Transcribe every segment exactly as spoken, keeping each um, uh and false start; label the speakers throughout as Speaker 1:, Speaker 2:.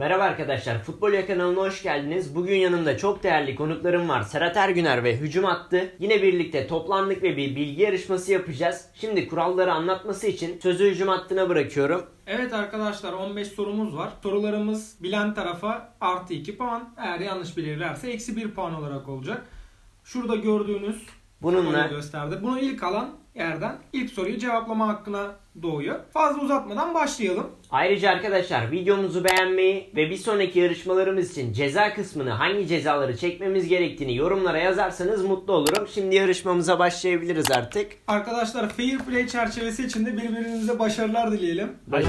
Speaker 1: Merhaba arkadaşlar, Futbol Ya kanalına hoş geldiniz. Bugün yanımda çok değerli konuklarım var. Serhat Ergüner ve Hücum Attı. Yine birlikte toplandık ve bir bilgi yarışması yapacağız. Şimdi kuralları anlatması için sözü Hücum Attı'na bırakıyorum.
Speaker 2: Evet arkadaşlar, on beş sorumuz var. Sorularımız bilen tarafa artı iki puan. Eğer yanlış bilirlerse eksi bir puan olarak olacak. Şurada gördüğünüz
Speaker 1: Bununla
Speaker 2: gösterdi. Bunu ilk alan yerden ilk soruyu cevaplama hakkına doğuyor. Fazla uzatmadan başlayalım.
Speaker 1: ayrıca arkadaşlar videomuzu beğenmeyi ve bir sonraki yarışmalarımız için ceza kısmını hangi cezaları çekmemiz gerektiğini yorumlara yazarsanız mutlu olurum. Şimdi yarışmamıza başlayabiliriz artık.
Speaker 2: Arkadaşlar fair play çerçevesi içinde birbirinize başarılar dileyelim.
Speaker 1: Baş-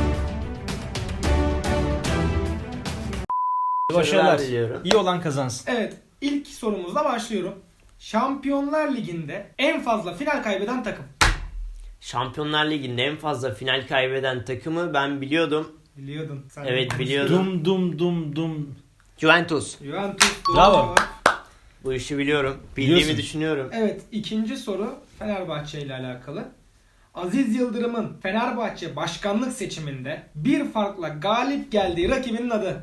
Speaker 3: Başarılar.
Speaker 1: diliyorum.
Speaker 3: İyi olan kazansın.
Speaker 2: Evet, ilk sorumuzla başlıyorum. Şampiyonlar Ligi'nde en fazla final kaybeden takım.
Speaker 1: Şampiyonlar Ligi'nde en fazla final kaybeden takımı ben biliyordum.
Speaker 2: Biliyordun. Sen
Speaker 1: Evet, biliyordum.
Speaker 3: Dum dum dum dum.
Speaker 1: Juventus.
Speaker 2: Juventus. Doğru
Speaker 3: Bravo.
Speaker 2: cevap.
Speaker 1: Bu işi biliyorum. Bildiğimi
Speaker 3: Biliyorsun.
Speaker 1: düşünüyorum.
Speaker 2: Evet, ikinci soru Fenerbahçe ile alakalı. Aziz Yıldırım'ın Fenerbahçe başkanlık seçiminde bir farkla galip geldiği rakibinin adı.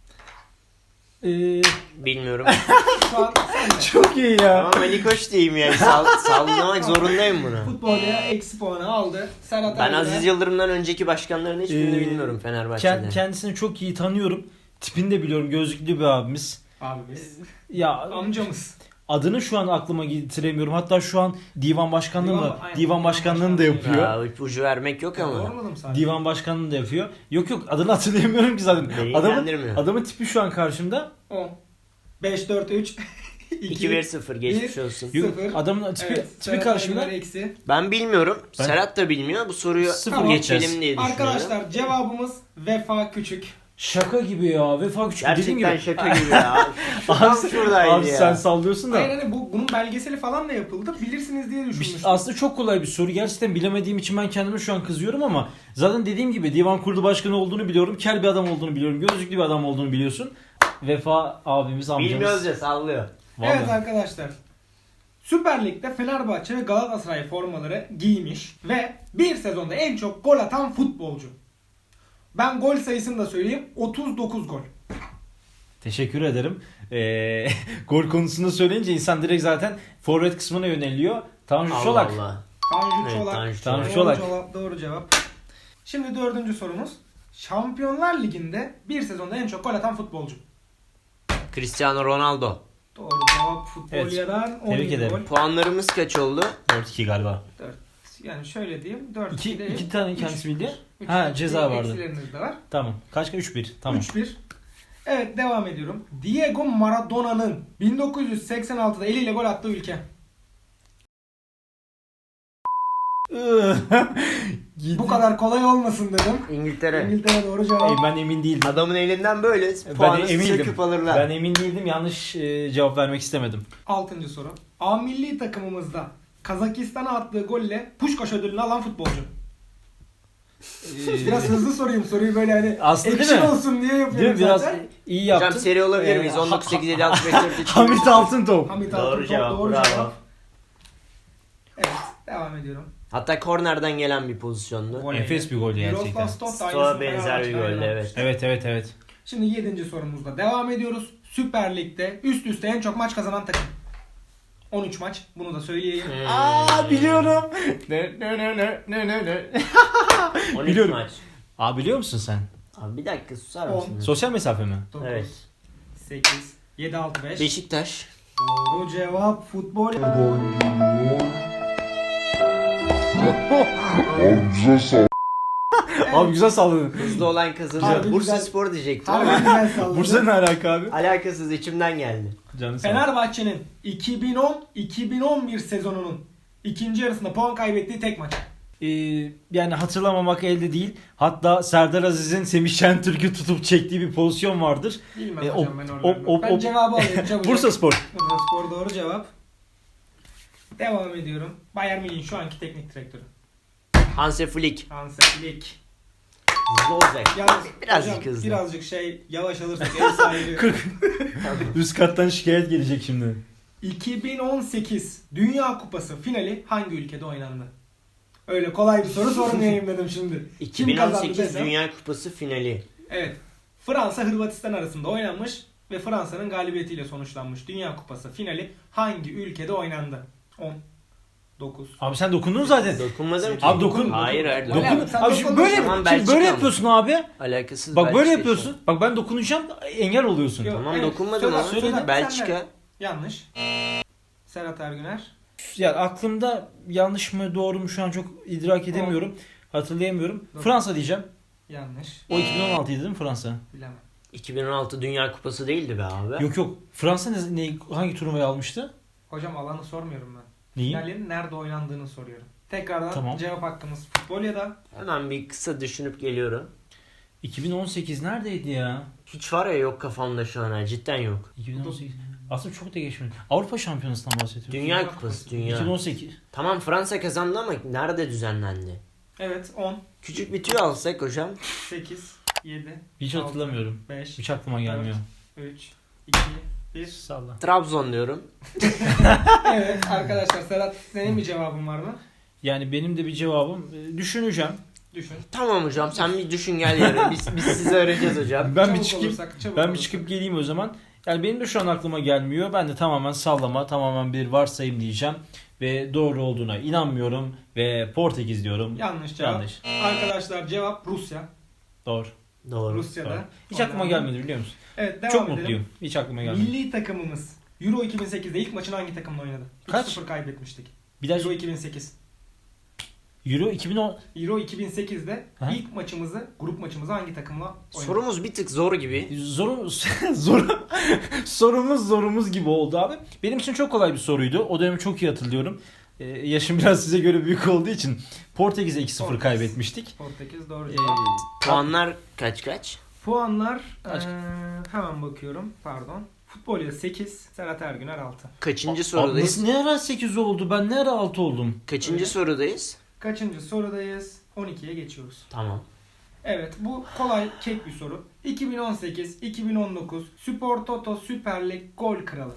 Speaker 3: Ee,
Speaker 1: Bilmiyorum.
Speaker 2: Şu an sende.
Speaker 3: çok iyi ya.
Speaker 1: Ama Ali Koç diyeyim yani. Sall sallamak zorundayım buna.
Speaker 2: Futbolcuya eksi puanı aldı. Serhat
Speaker 1: Ben
Speaker 2: Ergüner.
Speaker 1: Aziz Yıldırım'dan önceki başkanların hiçbirini
Speaker 3: Ee,
Speaker 1: bilmiyorum Fenerbahçe'de.
Speaker 3: Kend- kendisini çok iyi tanıyorum. Tipini de biliyorum. Gözlüklü bir abimiz.
Speaker 2: Abimiz.
Speaker 3: Ya
Speaker 2: Amcamız.
Speaker 3: adını şu an aklıma getiremiyorum. Hatta şu an divan başkanlığı
Speaker 2: Divan-
Speaker 3: mı?
Speaker 2: aynen,
Speaker 3: Divan
Speaker 2: divan
Speaker 3: başkanlığını da
Speaker 2: başkanlığı.
Speaker 3: yapıyor.
Speaker 1: Ya ipucu vermek yok ama.
Speaker 2: Sormadım sadece.
Speaker 3: Divan başkanlığını da yapıyor. Yok yok adını hatırlayamıyorum ki zaten.
Speaker 1: Beni
Speaker 3: Adamın,
Speaker 1: ilgilendirmiyor.
Speaker 3: adamın tipi şu an karşımda.
Speaker 2: on. beş, dört, üç.
Speaker 1: iki bir sıfır geçmiş
Speaker 2: bir.
Speaker 1: olsun.
Speaker 3: Yok,
Speaker 2: Sıfır.
Speaker 3: adamın tipi,
Speaker 2: Evet,
Speaker 3: tipi
Speaker 2: Serhat
Speaker 3: karşımda.
Speaker 2: Ergüner eksi.
Speaker 1: Ben bilmiyorum.
Speaker 3: Ben-
Speaker 1: Serhat da bilmiyor. Bu soruyu
Speaker 3: Sıfır
Speaker 2: Tamam.
Speaker 3: geçeceğiz.
Speaker 1: geçelim diye düşünüyorum.
Speaker 2: Arkadaşlar cevabımız Vefa Küçük.
Speaker 3: Şaka gibi ya. Vefa Küçük dediğin
Speaker 1: Gerçekten
Speaker 3: gibi.
Speaker 1: şaka gibi ya. Tam
Speaker 3: Abi,
Speaker 1: şuradaydı
Speaker 3: abi
Speaker 1: ya.
Speaker 3: sen sallıyorsun da.
Speaker 2: Hayır hani bu, bunun belgeseli falan da yapıldı. Bilirsiniz diye
Speaker 3: Bir-
Speaker 2: düşünmüştüm.
Speaker 3: Aslında çok kolay bir soru. Gerçekten bilemediğim için ben kendime şu an kızıyorum ama zaten dediğim gibi divan kurulu başkanı olduğunu biliyorum. Kel bir adam olduğunu biliyorum. Gözlüklü bir adam olduğunu biliyorsun. Vefa abimiz, amcamız.
Speaker 1: Bilmiyoruz ya sallıyor.
Speaker 3: Vallahi.
Speaker 2: Evet arkadaşlar. Süper Lig'de Fenerbahçe ve Galatasaray formaları giymiş ve bir sezonda en çok gol atan futbolcu. Ben gol sayısını da söyleyeyim. otuz dokuz gol.
Speaker 3: Teşekkür ederim. Ee, gol konusunu söyleyince insan direkt zaten forvet kısmına yöneliyor. Tanju
Speaker 1: Allah
Speaker 3: Çolak.
Speaker 1: Allah.
Speaker 2: Tanju
Speaker 1: Evet,
Speaker 2: Çolak.
Speaker 1: Tanju
Speaker 3: Tanju
Speaker 2: Doğru
Speaker 3: Çolak.
Speaker 2: cevap, doğru cevap. Şimdi dördüncü sorumuz. Şampiyonlar Ligi'nde bir sezonda en çok gol atan futbolcu.
Speaker 1: Cristiano Ronaldo.
Speaker 2: Doğru cevap Futbolya'dan on
Speaker 3: Tebrik
Speaker 2: yedi
Speaker 3: ederim.
Speaker 2: gol.
Speaker 1: Puanlarımız kaç oldu?
Speaker 3: dört iki galiba.
Speaker 2: dört. Yani şöyle diyeyim. dört
Speaker 3: İki,
Speaker 2: değil.
Speaker 3: iki tane
Speaker 2: Üç.
Speaker 3: kendisi bildi.
Speaker 2: Üç.
Speaker 3: Ha, ceza vardı.
Speaker 2: Eksileriniz de var.
Speaker 3: Tamam. Kaç kaç? üç bir. Tamam.
Speaker 2: üç bir. Evet, devam ediyorum. Diego Maradona'nın bin dokuz yüz seksen altıda eliyle gol attığı ülke.
Speaker 3: Gidi.
Speaker 2: Bu kadar kolay olmasın dedim.
Speaker 1: İngiltere.
Speaker 2: İngiltere doğru cevap.
Speaker 3: Ey, ben emin değildim.
Speaker 1: Adamın elinden böyle
Speaker 3: Ben
Speaker 1: puanı
Speaker 3: emindim.
Speaker 1: söküp alırlar.
Speaker 3: Ben emin değildim. Yanlış e, cevap vermek istemedim.
Speaker 2: Altıncı soru. A milli takımımızda Kazakistan'a attığı golle Puşkaş ödülünü alan futbolcu. Biraz hızlı sorayım soruyu böyle hani
Speaker 3: Aslında değil
Speaker 2: action
Speaker 3: mi?
Speaker 2: olsun diye
Speaker 3: Değil
Speaker 2: yapıyorum
Speaker 3: mi? Biraz
Speaker 2: zaten.
Speaker 3: iyi yaptın.
Speaker 1: Hocam seri olabilir
Speaker 3: Ee,
Speaker 1: miyiz?
Speaker 3: ha-
Speaker 1: on dokuz sekiz yedi altı beş dört üç
Speaker 3: Hamit Altıntop.
Speaker 2: Hamit
Speaker 1: Doğru
Speaker 2: Altıntop,
Speaker 1: cevap,
Speaker 2: doğru
Speaker 1: bravo.
Speaker 2: cevap. Evet, devam ediyorum.
Speaker 1: Hatta kornerden gelen bir pozisyondu.
Speaker 2: Voley.
Speaker 3: Enfes bir gol gerçekten.
Speaker 2: Miroslav Stoch da
Speaker 1: Stoğa
Speaker 2: aynısını
Speaker 1: benzer bir
Speaker 2: Fenerbahçe'den
Speaker 1: goldü,
Speaker 2: yapmış.
Speaker 1: evet.
Speaker 3: Evet evet evet.
Speaker 2: Şimdi yedinci sorumuzda devam ediyoruz. Süper Lig'de üst üste en çok maç kazanan takım. on üç maç. Bunu da söyleyeyim.
Speaker 1: Hmm.
Speaker 3: Aa biliyorum. Ne ne ne ne ne ne ne.
Speaker 1: on üç
Speaker 3: biliyorum.
Speaker 1: maç.
Speaker 3: Aa biliyor musun sen?
Speaker 1: Abi bir dakika susar
Speaker 2: On.
Speaker 1: mısın?
Speaker 3: Sosyal mesafe mi?
Speaker 2: dokuz,
Speaker 1: Evet.
Speaker 2: sekiz, yedi, altı, beş.
Speaker 1: Beşiktaş.
Speaker 2: Doğru cevap futbol. Evet.
Speaker 3: Abi güzel salladın.
Speaker 1: Hızlı olan kazanır.
Speaker 2: Harbi
Speaker 1: Bursa
Speaker 2: güzel.
Speaker 1: Spor diyecektim
Speaker 2: Harbi
Speaker 1: ama
Speaker 2: güzel salladı.
Speaker 3: Bursa ne alaka abi?
Speaker 1: alakasız içimden geldi.
Speaker 3: Canı sağ ol.
Speaker 2: Fenerbahçe'nin iki bin on iki bin on bir sezonunun ikinci yarısında puan kaybettiği tek maç.
Speaker 3: Ee, yani hatırlamamak elde değil. Hatta Serdar Aziz'in Semih Şentürk'ü tutup çektiği bir pozisyon vardır.
Speaker 2: Bilmem
Speaker 3: E,
Speaker 2: hocam
Speaker 3: op-
Speaker 2: ben
Speaker 3: op-
Speaker 2: oralarını.
Speaker 3: op-
Speaker 2: Ben
Speaker 3: op-
Speaker 2: cevabı alayım çabuk.
Speaker 3: Bursa Spor.
Speaker 2: Bursa Spor doğru cevap. Devam ediyorum. Bayern Münih'in şu anki teknik direktörü.
Speaker 1: Hansi Flick.
Speaker 2: Hansi Flick.
Speaker 1: Hızlı olacak.
Speaker 2: Yalnız
Speaker 1: Birazcık
Speaker 2: hocam,
Speaker 1: hızlı.
Speaker 2: birazcık şey yavaş alırsak ev sahibi.
Speaker 3: Üst kattan şikayet gelecek şimdi.
Speaker 2: iki bin on sekiz Dünya Kupası finali hangi ülkede oynandı? Öyle kolay bir soru sormayayım dedim şimdi. Kim
Speaker 1: iki bin on
Speaker 2: kazandı
Speaker 1: sekiz
Speaker 2: desem?
Speaker 1: Dünya Kupası finali.
Speaker 2: Evet. Fransa Hırvatistan arasında oynanmış ve Fransa'nın galibiyetiyle sonuçlanmış Dünya Kupası finali hangi ülkede oynandı? on, dokuz.
Speaker 3: Abi sen dokundun zaten.
Speaker 1: Dokunmadım ki.
Speaker 3: Abi dokun.
Speaker 1: Hayır hayır.
Speaker 2: Dokun.
Speaker 1: Dokun.
Speaker 3: Dokun.
Speaker 2: Sen
Speaker 3: Abi şimdi
Speaker 2: dokundun.
Speaker 3: böyle,
Speaker 1: Tamam,
Speaker 3: şimdi
Speaker 1: Belçika
Speaker 3: böyle
Speaker 1: mı?
Speaker 3: yapıyorsun abi.
Speaker 1: Alakasız.
Speaker 3: Bak böyle
Speaker 1: Belçika
Speaker 3: yapıyorsun. Bak ben dokunacağım engel oluyorsun.
Speaker 2: Yok.
Speaker 1: Tamam
Speaker 2: Evet,
Speaker 1: dokunmadım
Speaker 2: söyle-
Speaker 1: ama.
Speaker 2: söyle, sen
Speaker 1: Belçika.
Speaker 2: de. Yanlış. Serhat Ergüner.
Speaker 3: Ya aklımda yanlış mı doğru mu şu an çok idrak edemiyorum. Hatırlayamıyorum.
Speaker 2: Doğru.
Speaker 3: Fransa diyeceğim.
Speaker 2: Yanlış.
Speaker 3: O iki bin on altıydı değil mi Fransa?
Speaker 2: Bilemem.
Speaker 1: iki bin on altı Dünya Kupası değildi be abi.
Speaker 3: Yok yok. Fransa ne, ne- hangi turnuvayı almıştı?
Speaker 2: Hocam alanı sormuyorum ben.
Speaker 3: Neyi?
Speaker 2: Finalin nerede oynandığını soruyorum. Tekrardan
Speaker 3: Tamam.
Speaker 2: cevap hakkımız futbol ya da
Speaker 1: Hemen bir kısa düşünüp geliyorum.
Speaker 3: iki bin on sekiz neredeydi ya?
Speaker 1: Hiç var ya yok kafamda şu an ha, cidden yok.
Speaker 3: iki bin on sekiz. Aslında çok da geçmedi. Avrupa Şampiyonası'ndan bahsediyoruz.
Speaker 1: Dünya Kupası dünya.
Speaker 3: iki bin on sekiz.
Speaker 1: Tamam Fransa kazandı ama nerede düzenlendi?
Speaker 2: evet on,
Speaker 1: Küçük bir tüy alsak hocam.
Speaker 2: sekiz, yedi,
Speaker 3: Hiç
Speaker 2: altı,
Speaker 3: hatırlamıyorum.
Speaker 2: beş,
Speaker 3: Hiç aklıma gelmiyor.
Speaker 2: üç, iki, bir.
Speaker 3: Salla.
Speaker 1: Trabzon diyorum.
Speaker 2: Evet arkadaşlar Serhat senin bir cevabın var mı?
Speaker 3: Yani benim de bir cevabım. e, Düşüneceğim.
Speaker 2: Düşün.
Speaker 1: Tamam hocam sen bir düşün gel yarın. Biz, biz size öğreteceğiz hocam.
Speaker 3: Ben
Speaker 2: Çabuk
Speaker 3: bir çıkayım.
Speaker 2: olursak, çabuk
Speaker 3: Ben bir
Speaker 2: olursak.
Speaker 3: çıkıp geleyim o zaman. Yani benim de şu an aklıma gelmiyor. Ben de tamamen sallama, tamamen bir varsayım diyeceğim. Ve doğru olduğuna inanmıyorum. Ve Portekiz diyorum.
Speaker 2: Yanlış cevap.
Speaker 3: Yanlış.
Speaker 2: Arkadaşlar cevap Rusya.
Speaker 3: Doğru.
Speaker 1: Doğru.
Speaker 2: Rusya'da.
Speaker 3: Doğru. Hiç
Speaker 2: Ondan
Speaker 3: aklıma
Speaker 2: sonra-
Speaker 3: gelmedi biliyor musun?
Speaker 2: Evet devam
Speaker 3: Çok
Speaker 2: edelim.
Speaker 3: mutluyum. Hiç aklıma gelmedi.
Speaker 2: Milli takımımız Euro iki bin sekizde ilk maçını hangi takımla oynadı?
Speaker 3: Kaç?
Speaker 2: üç sıfır kaybetmiştik.
Speaker 3: Bir daha
Speaker 2: Euro iki bin sekiz.
Speaker 3: Euro iki bin on.
Speaker 2: Euro iki bin sekizde
Speaker 3: Ha?
Speaker 2: ilk maçımızı, grup maçımızı hangi takımla oynadık?
Speaker 1: Sorumuz bir tık zor gibi.
Speaker 3: Zorumuz zor sorumuz zorumuz gibi oldu abi. Benim için çok kolay bir soruydu. O dönemi çok iyi hatırlıyorum. Ee, yaşım biraz size göre büyük olduğu için Portekiz'e iki sıfır
Speaker 2: Portekiz.
Speaker 3: kaybetmiştik.
Speaker 2: Portekiz doğru
Speaker 3: Ee,
Speaker 2: cevap.
Speaker 1: Puanlar kaç kaç?
Speaker 2: Puanlar
Speaker 3: Kaç?
Speaker 2: eee, hemen bakıyorum. Pardon. Futbolya sekiz, Serhat Ergüner altı.
Speaker 1: Kaçıncı
Speaker 3: Abi
Speaker 1: sorudayız?
Speaker 3: nasıl ne ara sekiz oldu? Ben ne ara altı oldum?
Speaker 1: Kaçıncı
Speaker 2: Öyle.
Speaker 1: sorudayız?
Speaker 2: Kaçıncı sorudayız? on ikiye geçiyoruz.
Speaker 1: Tamam.
Speaker 2: Evet bu kolay kek bir soru. iki bin on sekiz iki bin on dokuz Spor Toto Süper Lig gol kralı.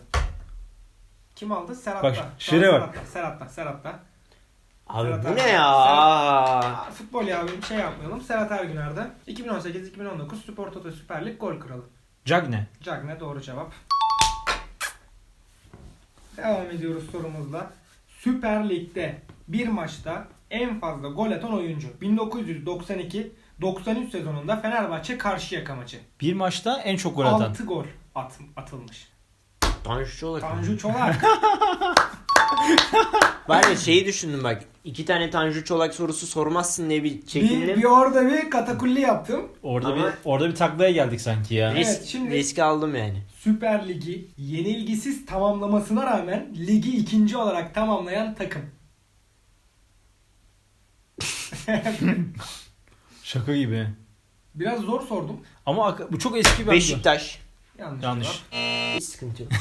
Speaker 2: Kim aldı? Serhat'ta.
Speaker 3: Bak,
Speaker 2: Şu an
Speaker 3: şuraya bak.
Speaker 2: Serhat'ta, Serhat'ta, Serhat'ta.
Speaker 1: Abi
Speaker 2: Serhat
Speaker 1: bu
Speaker 2: Ergüner.
Speaker 1: ne ya?
Speaker 2: Aa, futbol ya bir şey yapmayalım. Serhat Ergüner'de iki bin on sekiz iki bin on dokuz Spor Toto Süper Lig gol kralı.
Speaker 3: Cagne.
Speaker 2: Cagne doğru cevap. Devam ediyoruz sorumuzla. Süper Lig'de bir maçta en fazla gol atan oyuncu. bin dokuz yüz doksan iki doksan üç sezonunda Fenerbahçe Karşıyaka maçı.
Speaker 3: Bir maçta en çok gol atan.
Speaker 2: altı gol at, atılmış.
Speaker 1: Tanju Çolak.
Speaker 2: Tanju Çolak.
Speaker 1: Ben de şeyi düşündüm bak. İki tane Tanju Çolak sorusu sormazsın diye bir
Speaker 2: bir,
Speaker 1: çekindim.
Speaker 2: bir orada bir katakulli yaptım.
Speaker 3: Orada
Speaker 1: Ama-
Speaker 3: bir orada bir taklaya geldik sanki ya.
Speaker 2: Evet,
Speaker 1: Risk,
Speaker 2: şimdi-
Speaker 1: riski aldım yani.
Speaker 2: Süper Ligi yenilgisiz tamamlamasına rağmen ligi ikinci olarak tamamlayan takım.
Speaker 3: Şaka gibi.
Speaker 2: Biraz zor sordum.
Speaker 3: Ama ak- bu çok eski bir
Speaker 1: Beşiktaş.
Speaker 2: Yanlış.
Speaker 3: Yanlış.
Speaker 2: cevap.
Speaker 1: Hiç sıkıntı yok.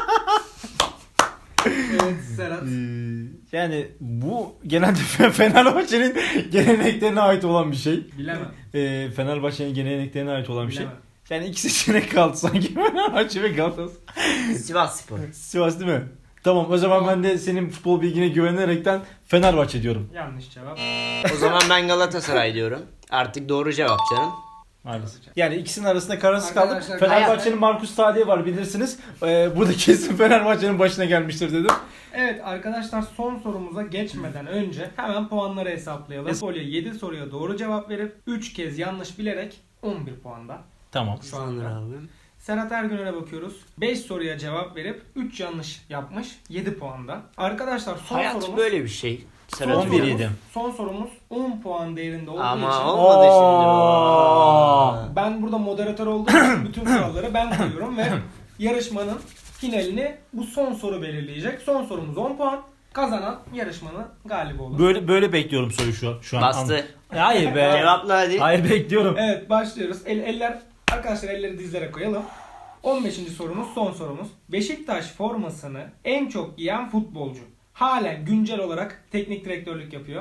Speaker 2: Evet Serhat.
Speaker 3: Ee, yani bu genelde Fenerbahçe'nin geleneklerine ait olan bir şey.
Speaker 2: Bilemem.
Speaker 3: Ee, Fenerbahçe'nin geleneklerine ait olan bir şey.
Speaker 2: Bilemem.
Speaker 3: Yani iki seçenek kaldı sanki Fenerbahçe ve Galatasaray.
Speaker 1: Sivas Spor.
Speaker 3: Sivas değil mi? Tamam o zaman ben de senin futbol bilgine güvenerekten Fenerbahçe diyorum.
Speaker 2: Yanlış cevap.
Speaker 1: O zaman ben Galatasaray diyorum. Artık doğru cevap canım.
Speaker 3: Maalesef. Yani ikisinin arasında kararsız kaldım.
Speaker 2: Arkadaşlar,
Speaker 3: Fenerbahçe'nin Markus Tadić var bilirsiniz. Ee, burada kesin Fenerbahçe'nin başına gelmiştir dedim.
Speaker 2: Evet arkadaşlar son sorumuza geçmeden önce hemen puanları hesaplayalım. Folyo yedi soruya doğru cevap verip üç kez yanlış bilerek on bir puanda.
Speaker 3: Tamam.
Speaker 2: Şu anda.
Speaker 1: Sanır abim.
Speaker 2: Serhat Ergüner'e bakıyoruz. beş soruya cevap verip üç yanlış yapmış. yedi puanda. Arkadaşlar son
Speaker 1: Hayat
Speaker 2: sorumuz
Speaker 1: böyle bir şey.
Speaker 2: son
Speaker 1: Serhat
Speaker 3: on bir
Speaker 2: sorumuz-
Speaker 3: yedi.
Speaker 2: Son sorumuz on puan değerinde olduğu
Speaker 1: Ama
Speaker 2: için
Speaker 1: olmadı şimdi.
Speaker 3: Oo.
Speaker 1: o.
Speaker 2: ben burada moderatör olduğum için bütün kuralları ben koyuyorum ve yarışmanın finalini bu son soru belirleyecek. Son sorumuz on puan. Kazanan yarışmanın galibi olur.
Speaker 3: Böyle böyle bekliyorum soruyu şu, şu an.
Speaker 1: Bastı.
Speaker 3: Hayır be.
Speaker 1: Cevapla hadi.
Speaker 3: Hayır bekliyorum.
Speaker 2: Evet başlıyoruz. El, eller arkadaşlar elleri dizlere koyalım. on beşinci sorumuz son sorumuz. Beşiktaş formasını en çok giyen futbolcu. Halen güncel olarak teknik direktörlük yapıyor.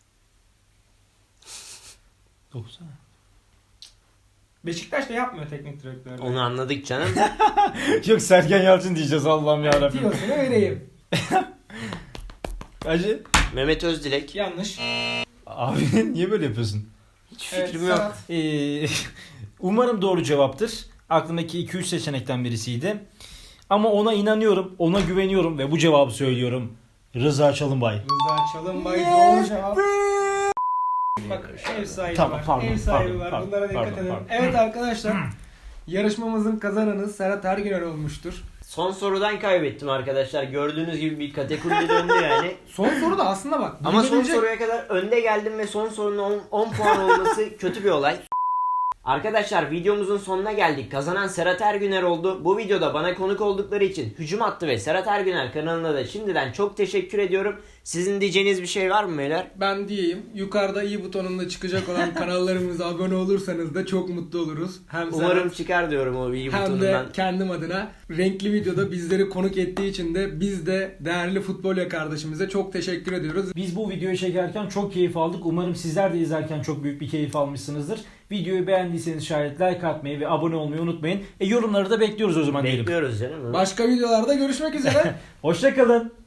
Speaker 3: Dokusana.
Speaker 2: Beşiktaş da yapmıyor teknik direktörlük.
Speaker 1: Onu anladık canım.
Speaker 3: Yok Sergen Yalçın diyeceğiz Allah'ım yarabbim.
Speaker 2: Tiyosunu vereyim.
Speaker 3: Acı.
Speaker 1: Mehmet Özdilek.
Speaker 2: Yanlış.
Speaker 3: Abi niye böyle yapıyorsun?
Speaker 1: Hiç
Speaker 2: Evet,
Speaker 1: fikrim yok.
Speaker 2: Serhat.
Speaker 3: Ee, umarım doğru cevaptır. Aklımdaki iki üç seçenekten birisiydi. Ama ona inanıyorum, ona güveniyorum ve bu cevabı söylüyorum. Rıza Çalınbay.
Speaker 2: Rıza Çalınbay doğru cevap. Bak ev sahibi
Speaker 3: Tamam,
Speaker 2: var.
Speaker 3: pardon,
Speaker 2: ev sahibi
Speaker 3: pardon,
Speaker 2: var.
Speaker 3: pardon,
Speaker 2: Bunlara dikkat
Speaker 3: pardon,
Speaker 2: edin.
Speaker 3: pardon.
Speaker 2: Evet arkadaşlar. Yarışmamızın kazananı Serhat Ergüner olmuştur.
Speaker 1: Son sorudan kaybettim arkadaşlar. Gördüğünüz gibi bir kategoride döndü yani.
Speaker 2: Son soru da aslında bak.
Speaker 1: Ama son
Speaker 2: bilinecek-
Speaker 1: soruya kadar önde geldim ve son sorunun on puan olması kötü bir olay. Arkadaşlar videomuzun sonuna geldik. Kazanan Serhat Ergüner oldu. Bu videoda bana konuk oldukları için Hücum Hattı ve Serhat Ergüner kanalına da şimdiden çok teşekkür ediyorum. Sizin diyeceğiniz bir şey var mı beyler?
Speaker 2: Ben diyeyim. Yukarıda i butonunda çıkacak olan kanallarımıza abone olursanız da çok mutlu oluruz. Hem
Speaker 1: Umarım
Speaker 2: Serhat,
Speaker 1: çıkar diyorum o iyi
Speaker 2: hem de
Speaker 1: butonundan.
Speaker 2: kendim adına renkli videoda bizleri konuk ettiği için de biz de değerli futbolya kardeşimize çok teşekkür ediyoruz.
Speaker 3: Biz bu videoyu çekerken çok keyif aldık. Umarım sizler de izlerken çok büyük bir keyif almışsınızdır. Videoyu beğendiyseniz şayet like atmayı ve abone olmayı unutmayın. E yorumları da bekliyoruz o zaman diyelim.
Speaker 1: Bekliyoruz canım.
Speaker 2: Başka videolarda görüşmek üzere.
Speaker 3: Hoşçakalın.